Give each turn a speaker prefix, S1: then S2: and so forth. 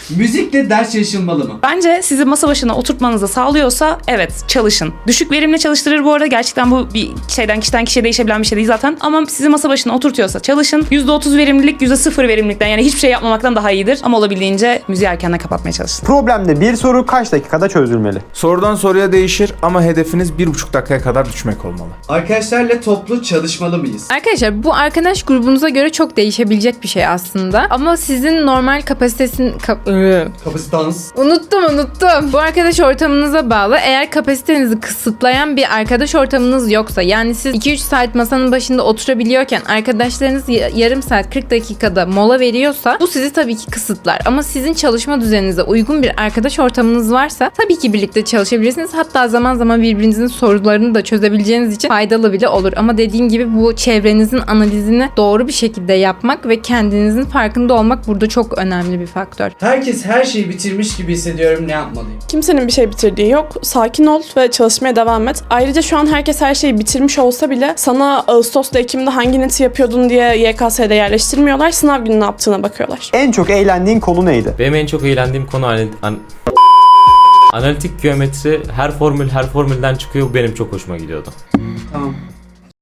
S1: Müzikle ders çalışılmalı mı?
S2: Bence sizi masa başına oturtmanızı sağlıyorsa evet çalışın. Düşük verimle çalıştırır bu arada. Gerçekten bu bir kişiden kişiye değişebilen bir şey değil zaten. Ama sizi masa başına oturtuyorsa çalışın. %30 verimlilik %0 verimlilikten yani hiçbir şey yapmamaktan daha iyidir. Ama olabildiğince müziği erkenden kapatmaya çalışın.
S3: Problemde bir soru kaç dakikada çözülmeli?
S4: Sorudan soruya değişir ama hedefiniz 1,5 dakikaya kadar düşmek olmalı.
S1: Arkadaşlarla toplu çalışmalı mıyız?
S5: Arkadaşlar bu arkadaş grubunuza göre çok değişebilecek bir şey aslında. Ama sizin normal
S1: Kapasitans.
S5: Unuttum. Bu arkadaş ortamınıza bağlı. Eğer kapasitenizi kısıtlayan bir arkadaş ortamınız yoksa, yani siz 2-3 saat masanın başında oturabiliyorken arkadaşlarınız yarım saat 40 dakikada mola veriyorsa bu sizi tabii ki kısıtlar. Ama sizin çalışma düzeninize uygun bir arkadaş ortamınız varsa tabii ki birlikte çalışabilirsiniz. Hatta zaman zaman birbirinizin sorularını da çözebileceğiniz için faydalı bile olur. Ama dediğim gibi bu çevrenizin analizini doğru bir şekilde yapmak ve kendinizin farkında olmak burada çok önemli bir faktör.
S1: Herkes her şeyi bitirmiş gibi hissediyorum, ne yapmalıyım?
S6: Kimsenin bir şey bitirdiği yok. Sakin ol ve çalışmaya devam et. Ayrıca şu an herkes her şeyi bitirmiş olsa bile sana Ağustos'ta Ekim'de hangi neti yapıyordun diye YKS'de yerleştirmiyorlar. Sınav günü ne yaptığına bakıyorlar.
S3: En çok eğlendiğin konu neydi?
S7: Benim en çok eğlendiğim konu analitik geometri, her formülden çıkıyor. Bu benim çok hoşuma gidiyordu.
S1: Tamam.